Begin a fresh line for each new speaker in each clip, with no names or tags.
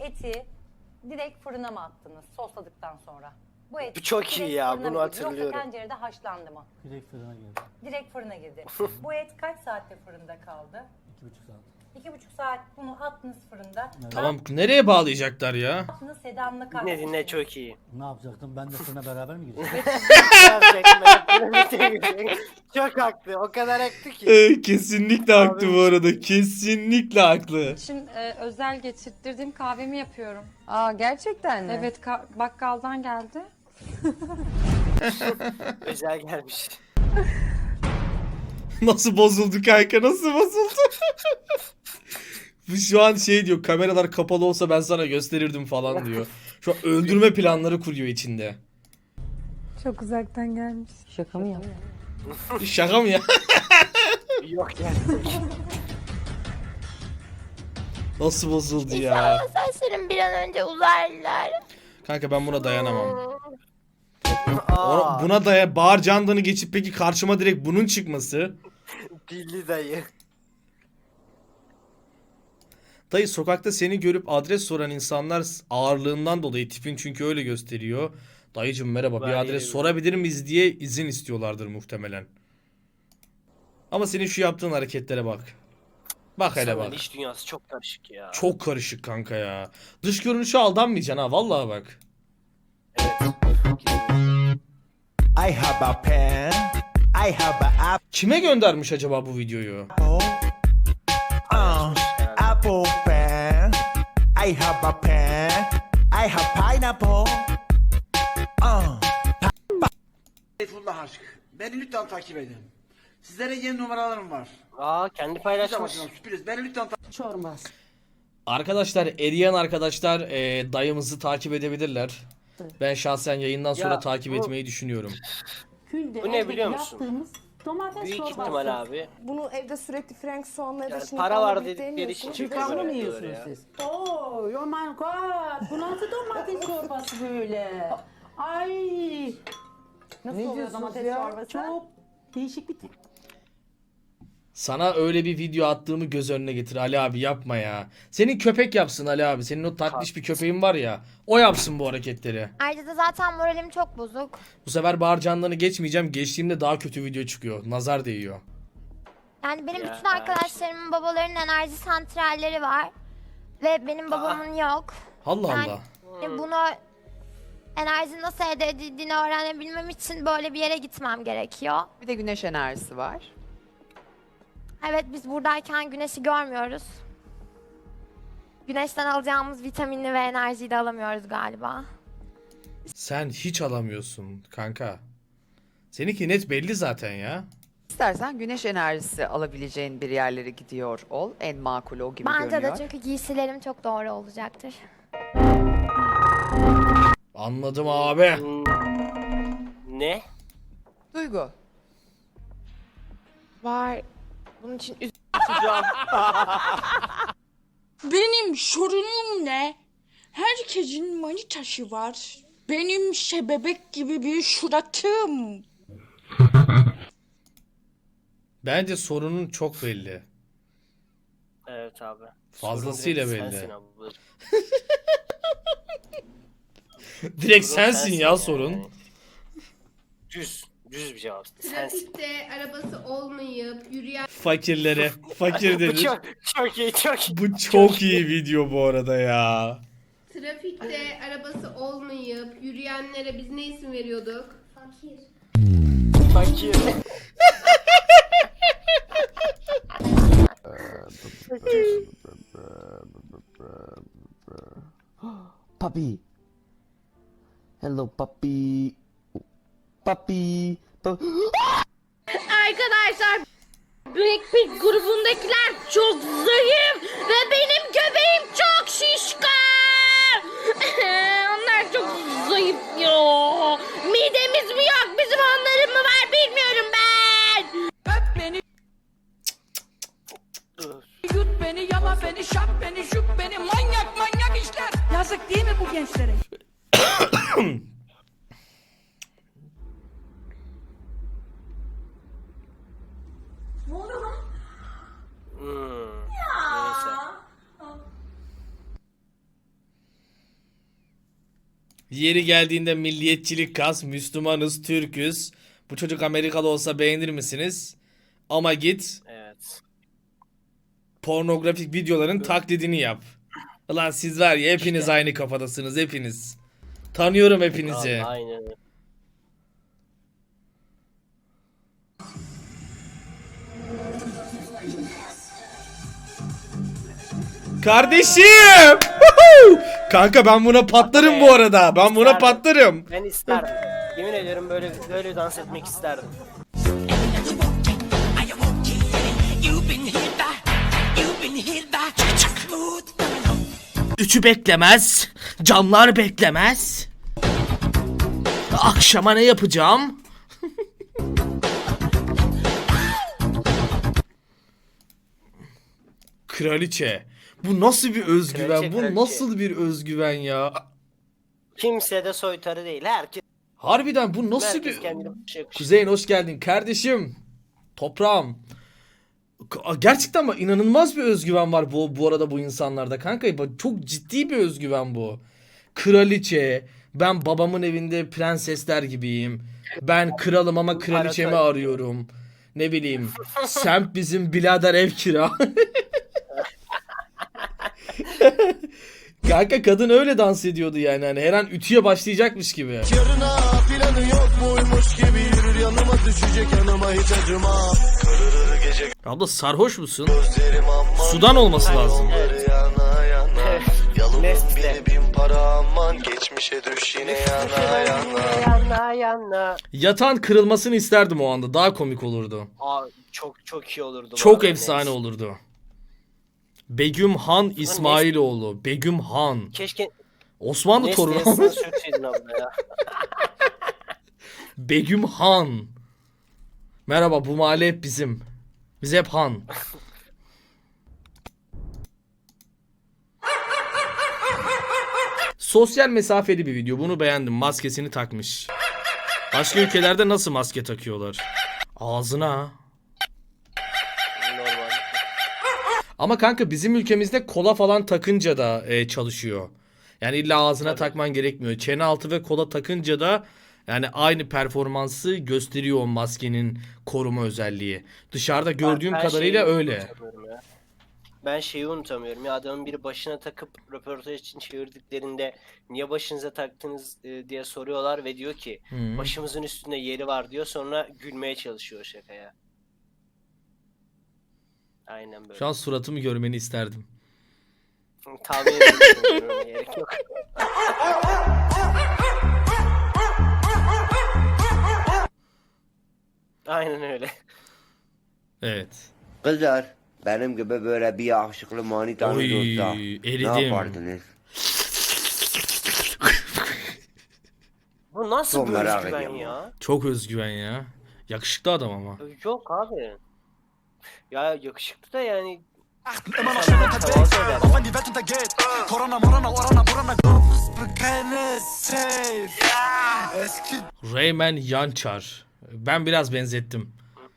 eti direkt fırına mı attınız sosladıktan sonra? Bu et
Bu çok iyi
direkt
ya,
fırına
bunu
mı girdi,
hatırlıyorum.
Yoksa tencerede haşlandı mı?
Direkt fırına girdi.
Direkt fırına girdi. Bu et kaç saatte fırında kaldı?
2,5 saat.
2,5 saat bunu attınız fırında.
Tamam, nereye bağlayacaklar ya?
Ne yaptınız? Sedan'la kalktınız.
Dinle dinle, çok iyi.
Ne yapacaktım? Ben de fırına beraber mi gireceğim?
Çok haklı, o kadar haklı ki.
Kesinlikle haklı bu arada. Kesinlikle haklı.
için özel getirttirdiğim kahvemi yapıyorum.
Aa gerçekten mi?
Evet, bakkaldan geldi.
Özel gelmiş.
Nasıl bozuldu kanka, nasıl bozuldu? Bu şu an şey diyor, kameralar kapalı olsa ben sana gösterirdim falan diyor. Şu an öldürme planları kuruyor içinde.
Çok uzaktan gelmiş.
Şaka mı ya?
Şaka mı ya?
Yok yani.
Nasıl bozuldu ya?
İnşallah saçlarım bir an önce uzarlar.
Kanka ben buna dayanamam.
Aa,
Buna bağır candanı geçip peki karşıma direkt bunun çıkması.
Dilli dayı.
Dayı, sokakta seni görüp adres soran insanlar ağırlığından dolayı, tipin çünkü öyle gösteriyor. Dayıcım merhaba, bir
Ben
adres
yerim.
sorabilir miyiz diye izin istiyorlardır muhtemelen. Ama senin şu yaptığın hareketlere bak. Bak hele
Sana
bak.
iş dünyası çok karışık ya.
Çok karışık kanka ya. Dış görünüşe aldanmayacaksın ha, vallahi bak.
I have a pen. I have a
Kime göndermiş acaba bu videoyu?
apple pen. I have a pen. I have pineapple.
Seyfullah aşk. Beni lütfen takip edin. Sizlere yeni numaralarım var.
Aa, kendi
Size
paylaşmış.
bakın, sürpriz. Beni lütfen
Çorbaz.
Arkadaşlar, eriyen arkadaşlar dayımızı takip edebilirler. Ben şahsen yayından sonra
Ya,
takip
bu-
etmeyi düşünüyorum.
Bu ne biliyor musun?
Domates
Büyük
çorbası.
ihtimal abi.
Bunu evde sürekli Frank soğanla ya da
Yani
şimdi
para
falan
var
birlikte
dedikleri için
yemiyorsunuz.
çıkıyor.
Çıkanlı mı
böyle
yiyorsunuz
ya.
siz? Oh, oh my god. Bu nasıl domates çorbası böyle? Ay.
Nasıl
Ne
oluyor
diyorsunuz
domates
ya?
çorbası?
Çok değişik bir
Sana öyle bir video attığımı göz önüne getir Ali abi, yapma ya. Senin köpek yapsın Ali abi. Senin o tatlış bir köpeğin var ya. O yapsın bu hareketleri.
Ayrıca da zaten moralim çok bozuk.
Bu sefer Bahar Candan'ı geçmeyeceğim. Geçtiğimde daha kötü video çıkıyor. Nazar değiyor.
Yani benim
Ya,
bütün arkadaşlarımın babalarının enerji santralleri var. Ve benim babamın yok.
Allah
Yani
Allah.
bunu enerji nasıl elde edildiğini öğrenebilmem için böyle bir yere gitmem gerekiyor.
Bir de güneş enerjisi var.
Evet, biz buradayken güneşi görmüyoruz. Güneşten alacağımız vitaminli ve enerjiyi de alamıyoruz galiba.
Sen hiç alamıyorsun kanka. Seninki net belli zaten ya.
İstersen güneş enerjisi alabileceğin bir yerlere gidiyor ol. En makul o gibi
Bence
görünüyor.
de, çünkü giysilerim çok doğru olacaktır.
Anladım abi.
Ne?
Duygu.
Var. Bunun için
Benim sorunum ne? Herkesin manitası var. Benim bebek gibi bir suratım.
Bence sorunun çok belli.
Evet abi.
Fazlasıyla
Sorun
belli.
direkt sensin abi.
Direkt
Sorun
sensin ya
yani.
sorun.
Düz bir cevap. Sensin.
Trafikte arabası olmayıp yürüyen
Fakirlere. Fakir
Bu
denir.
çok iyi, çok iyi.
Bu çok iyi video bu arada ya.
trafikte arabası olmayıp yürüyenlere biz ne isim veriyorduk?
Fakir.
puppy. Hello puppy. Puppy.
Arkadaşlar, Blackpink grubundakiler çok zayıf ve benim göbeğim çok şişkan. Onlar çok zayıf ya. Midemiz mi yok, bizim onların mı var bilmiyorum ben.
Öp beni, yut beni, yala beni, şap beni, şup beni, manyak işler. Yazık değil mi bu gençlere?
Neyse.
Yeri geldiğinde milliyetçilik kas, Müslümanız, Türküz. Bu çocuk Amerikalı olsa beğenir misiniz? Ama git
Evet.
pornografik videoların taklidini yap. Ulan siz var ya hepiniz aynı kafadasınız hepiniz. Tanıyorum hepinizi.
Aynen öyle.
Kardeşim! Woohoo! Kanka ben buna patlarım bu arada. Ben buna
İsterdim.
patlarım.
Ben isterdim. Yemin ediyorum böyle dans etmek isterdim.
Üçü beklemez. Camlar beklemez. Akşama ne yapacağım? Kraliçe. Bu nasıl bir özgüven?
Kraliçe,
Bu
kraliçe.
nasıl bir özgüven ya?
Kimse de soytarı değil.
Harbiden bu nasıl
Herkes
bir...
kendine bir şey yakışıyor.
Kuzeyin hoş geldin kardeşim. Toprağım. Gerçekten bak inanılmaz bir özgüven var bu arada bu insanlarda kanka. Bak, çok ciddi bir özgüven bu. Kraliçe. Ben babamın evinde prensesler gibiyim. Ben kralım ama kraliçemi arıyorum. Ne bileyim. Semt bizim birader ev kira. Kanka kadın öyle dans ediyordu yani. Hani her an ütüye başlayacakmış gibi.
Yarına planı yok muymuş gibi yürür yanıma düşecek yanıma hiç acıma. Kırırır gece
Abla sarhoş musun?
gözlerim aman.
Sudan olması lazım.
Evet.
Yana yana. Yalımın
Nesli.
bile bin para aman. Geçmişe düş yine yana yana.
Yana yana.
Yatağın kırılmasını isterdim o anda. Daha komik olurdu.
Aa, çok iyi olurdu. bu
Çok
arada.
efsane olurdu. Begüm Han İsmailoğlu. Begüm Han.
Keşke
Osmanlı
Nesli'ye
torunu.
sana sürtseydin abla ya.
Begüm Han. Merhaba bu mahalle hep bizim. Biz hep Han. Sosyal mesafeli bir video. Bunu beğendim. Maskesini takmış. Başka ülkelerde nasıl maske takıyorlar? Ağzına.
Normal.
Ama kanka bizim ülkemizde kola falan takınca da çalışıyor. Yani illa ağzına takman gerekmiyor. Çene altı ve kola takınca da yani aynı performansı gösteriyor o maskenin koruma özelliği. Dışarıda gördüğüm
Ben
kadarıyla
şeyi
öyle.
unutamıyorum ya. Ben şeyi unutamıyorum ya, adamın biri başına takıp röportaj için çevirdiklerinde niye başınıza taktınız diye soruyorlar ve diyor ki
Hı.
başımızın üstünde yeri var diyor, sonra gülmeye çalışıyor o şakaya. Aynen böyle.
Şu an suratımı görmeni isterdim.
Tahmin ediyorum, gerek yok. Aynen öyle.
Evet.
Kızlar benim gibi böyle bir yakışıklı manitanız
Oy,
olsa
eridim.
ne yapardınız?
Bu nasıl
Çok
bir
merak
özgüven
ediyorum
ya?
Çok özgüven ya. Yakışıklı adam ama.
Yok abi. Ya yakışıklı da yani.
Rayman Yançar. Ben biraz benzettim.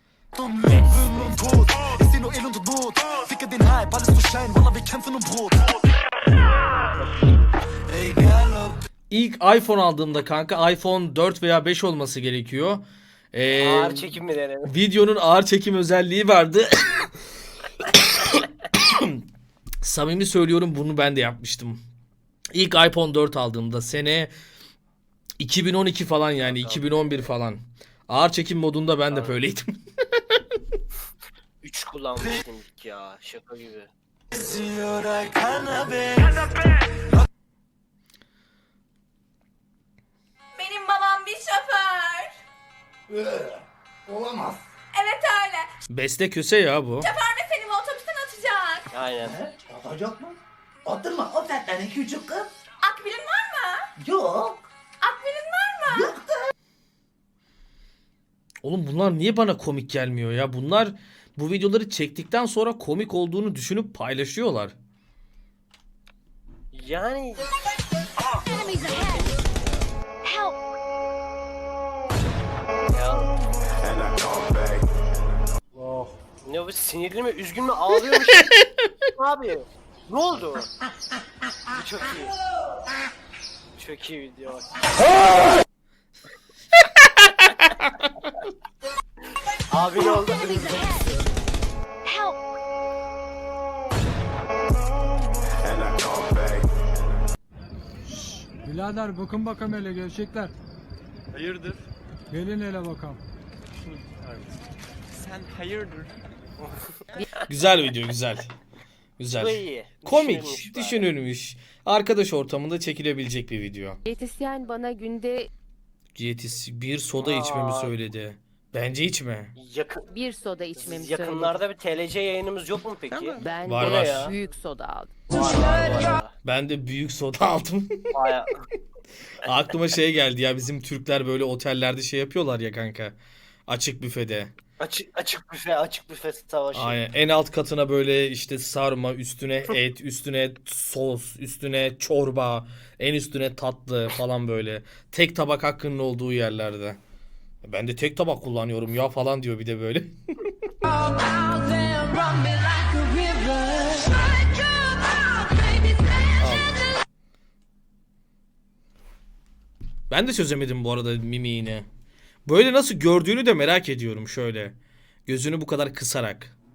İlk iPhone aldığımda kanka iPhone 4 veya 5 olması gerekiyor.
Ağır çekim mi denedim?
Videonun ağır çekim özelliği vardı. Samimi söylüyorum bunu ben de yapmıştım. İlk iPhone 4 aldığımda sene 2012 falan yani 2011 falan. Ağır çekim modunda ben de böyleydim.
3 kullanmıştım ilk ya, şaka gibi.
Benim babam bir şoför.
Olamaz.
Evet öyle.
Beste köse ya bu.
Şoför ve seni bu otobüsten atacak.
Aynen.
Atacak mı? Atırma, o zaten küçük kız.
Akbilin var mı?
Yok.
Akbilin var mı?
Oğlum bunlar niye bana komik gelmiyor ya? Bunlar bu videoları çektikten sonra komik olduğunu düşünüp paylaşıyorlar.
Yani ya. Ne bu, sinirli mi, üzgün mü, ağlıyormuş? Abi ne oldu? Bu çok iyi. Çok iyi video bak. Abi ne oldu?
Birader bakın bakalım hele gerçekler.
Hayırdır?
Gelin hele bakalım.
Sen hayırdır?
Güzel video, güzel.
Bu
Güzel.
iyi.
Komik,
Düşünülmüş bari.
düşünülmüş. Arkadaş ortamında çekilebilecek bir video.
Diyetisyen bana günde
Bir soda içmemi
Aa.
söyledi. Bence içme.
Yakın,
bir soda içmemi
yakınlarda bir TLC yayınımız yok mu peki?
Ben
Var,
Bu ne
var.
ya?
büyük soda aldım.
Var.
Ben de büyük soda aldım.
Baya.
Aklıma şey geldi ya, bizim Türkler böyle otellerde şey yapıyorlar ya kanka. Açık büfede.
Açık büfe savaşı.
Aynen. En alt katına böyle işte sarma, üstüne et, üstüne sos, üstüne çorba, en üstüne tatlı falan böyle. Tek tabak hakkının olduğu yerlerde. Ben de tek tabak kullanıyorum ya falan diyor bir de böyle. Ben de çözemedim bu arada mimiğini. Böyle nasıl gördüğünü de merak ediyorum şöyle. Gözünü bu kadar kısarak.